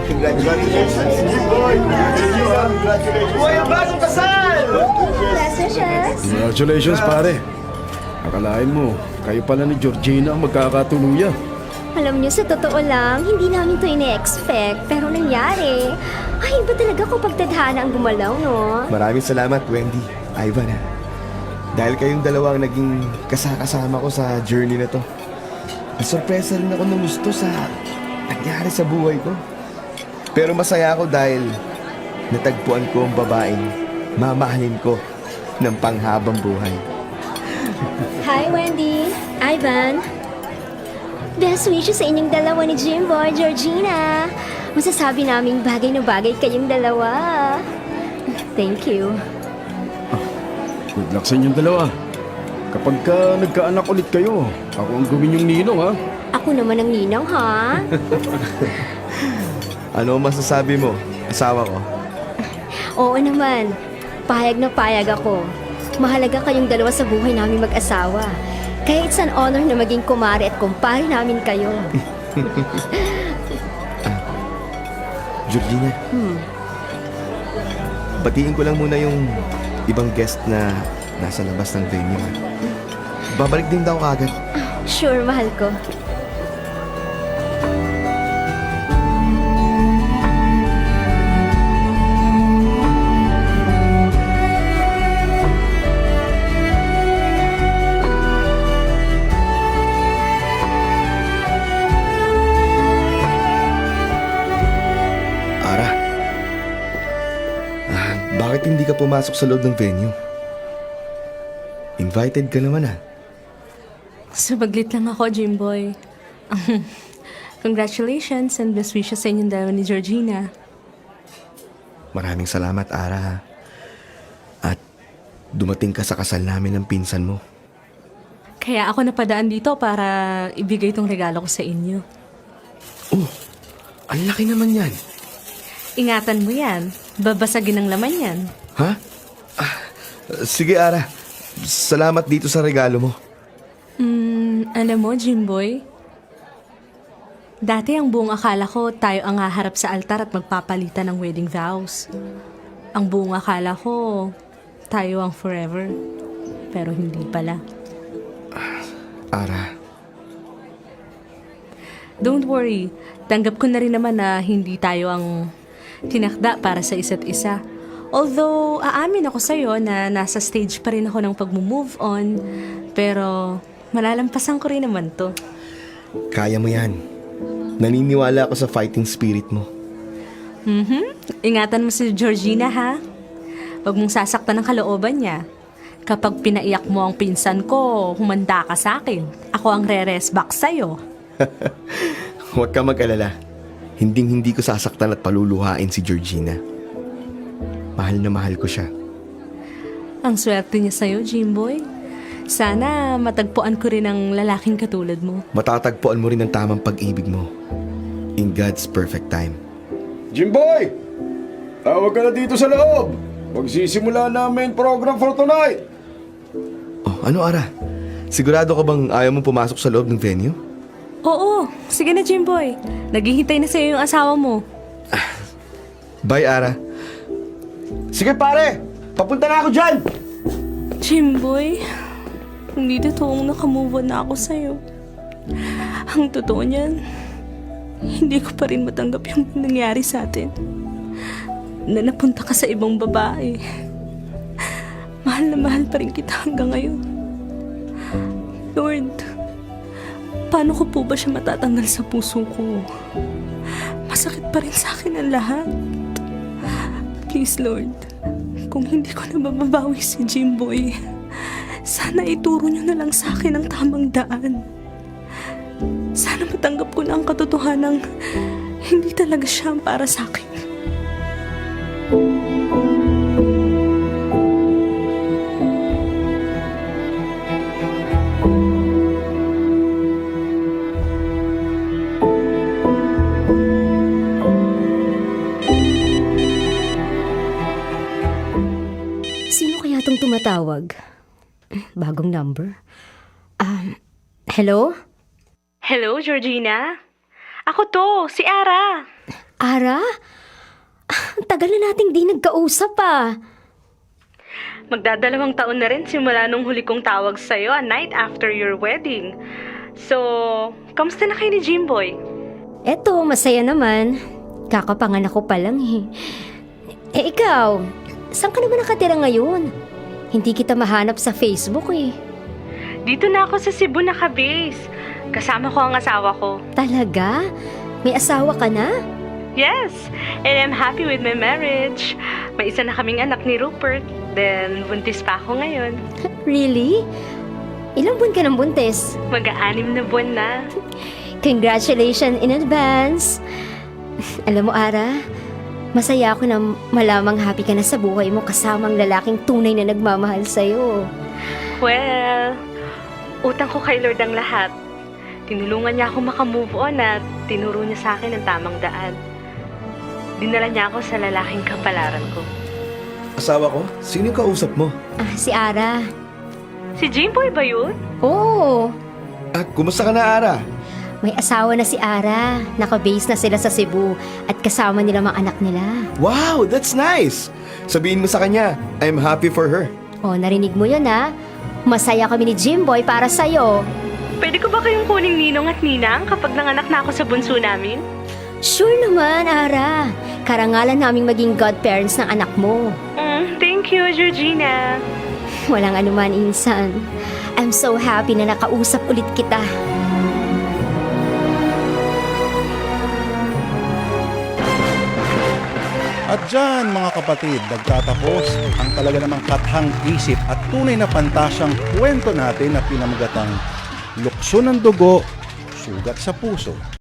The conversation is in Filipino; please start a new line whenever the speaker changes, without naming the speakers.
Congratulations. Boy, congratulations. Boy, ang bagong kasal!
Congratulations!
Congratulations, pare. Akalain mo, kayo pala ni Georgina ang magkakatuluyan.
Alam niyo, sa totoo lang, hindi namin to ine-expect, pero nangyari. Ay, iba talaga kapag tadhana ang gumalaw, no?
Maraming salamat, Wendy. Ivan, ha? Dahil kayong dalawa ang naging kasama ko sa journey na to. Nasurpresa rin ako ng gusto sa nangyari sa buhay ko. Pero masaya ako dahil natagpuan ko ang babaeng mamahalin ko ng panghabang buhay.
Hi, Wendy. Ivan. Best wishes sa inyong dalawa ni Jimboy, Georgina. Masasabi naming bagay na bagay kayong dalawa. Thank you.
Good luck sa inyong dalawa. Kapag nagkaanak ulit kayo, ako ang gawin yung ninong, ha?
Ako naman ang ninang, ha?
Ano ang masasabi mo, asawa ko?
Oo naman. Payag na payag ako. Mahalaga kayong dalawa sa buhay namin mag-asawa. Kaya it's an honor na maging kumare at kumpare namin kayo.
Georgina, batiin ko lang muna yung ibang guest na nasa labas ng venue. Babalik din daw kagad.
Sure, mahal ko.
Ara, bakit hindi ka pumasok sa loob ng venue? Invited ka naman, ah.
Subaglit lang ako, Jimboy. Congratulations and best wishes sa inyong dalawa ni Georgina.
Maraming salamat, Ara, ha. At dumating ka sa kasal namin ng pinsan mo.
Kaya ako napadaan dito para ibigay itong regalo ko sa inyo.
Oh, ang laki naman yan.
Ingatan mo yan. Babasagin ang laman yan.
Ha? Sige, Ara. Salamat dito sa regalo mo.
Alam mo, Jimboy, dati ang buong akala ko tayo ang haharap sa altar at magpapalitan ng wedding vows. Ang buong akala ko tayo ang forever. Pero hindi pala.
Ara,
Don't worry, tanggap ko na rin naman na hindi tayo ang tinakda para sa isa't isa. Although, aamin ako sa'yo na nasa stage pa rin ako ng pag-move on, pero malalampasan ko rin naman to.
kaya mo yan. Naniniwala ako sa fighting spirit mo.
Ingatan mo si Georgina, ha? Huwag mong sasaktan ang kalooban niya. Kapag pinaiyak mo ang pinsan ko, humanda ka sa akin. Ako ang re-rest back sa'yo.
Huwag ka mag-alala. Hinding-hindi ko sasaktan at paluluhain si Georgina. Mahal na mahal ko siya.
Ang swerte niya sa'yo, Jimboy. Sana matagpuan ko rin ang lalaking katulad mo.
Matatagpuan mo rin ang tamang pag-ibig mo. In God's perfect time.
Jimboy! Tawag ka na dito sa loob! Magsisimula na ang main program for tonight!
Oh, ano, Ara? Sigurado ka bang ayaw mong pumasok sa loob ng venue?
Oo, sige na, Jimboy. Naghihintay na sa'yo yung asawa mo.
Bye, Ara. Sige, pare! Papunta na ako dyan!
Jimboy, hindi totoong nakamove on na ako sa'yo. Ang totoo niyan, hindi ko pa rin matanggap yung nangyari sa atin. Na napunta ka sa ibang babae. Mahal na mahal pa rin kita hanggang ngayon. Lord, paano ko po ba siya matatanggal sa puso ko? Masakit pa rin sa akin ang lahat. Please, Lord, kung hindi ko na mababawi si Jimboy, sana ituro niyo na lang sa akin ang tamang daan. Sana matanggap ko na ang katotohanang hindi talaga siya ang para sa akin.
Sino kaya itong tumatawag? Bagong number. Hello?
Hello, Georgina? Ako to, si Ara.
Ara? Ang tagal na nating di nagkausap ah.
Magdadalawang taon na rin simula nung huli kong tawag sa'yo a night after your wedding. So, kamusta na kayo ni Jimboy?
Eto, masaya naman. Kakapanganak ko pa lang eh. Eh ikaw, saan ka naman nakatira ngayon? Hindi kita mahanap sa Facebook eh.
Dito na ako sa Cebu naka-base. Kasama ko ang asawa ko.
Talaga? May asawa ka na?
Yes, and I'm happy with my marriage. May isa na kaming anak ni Rupert. Then, buntis pa ako ngayon.
Really? Ilang buwan ka ng buntis?
Mag-aanim na buwan na.
Congratulations in advance. Alam mo, Ara, masaya ako na malamang happy ka na sa buhay mo kasamang lalaking tunay na nagmamahal sa'yo.
Well, utang ko kay Lord ang lahat. Tinulungan niya ako makamove on at tinuro niya sa akin ang tamang daan. Dinala niya ako sa lalaking kapalaran ko.
Asawa ko? Sino yung kausap mo?
Si Ara.
Si Jimboy ba yun?
Oo,
Kumusta ka na, Ara?
may asawa na si Ara. Naka-base na sila sa Cebu at kasama nila mga anak nila.
Wow, that's nice! Sabihin mo sa kanya, I'm happy for her.
O, narinig mo yun ha? Masaya kami ni Jimboy para sa'yo.
Pwede ko ba kayong kuning ninong at ninang kapag nanganak na ako sa bunso namin?
Sure naman, Ara. Karangalan naming maging godparents ng anak mo.
Thank you, Georgina.
Walang anuman, Insan. I'm so happy na nakausap ulit kita.
At dyan mga kapatid, nagtatapos ang talaga namang kathang isip at tunay na pantasyang kwento natin na pinamagatang lukso ng dugo, sugat sa puso.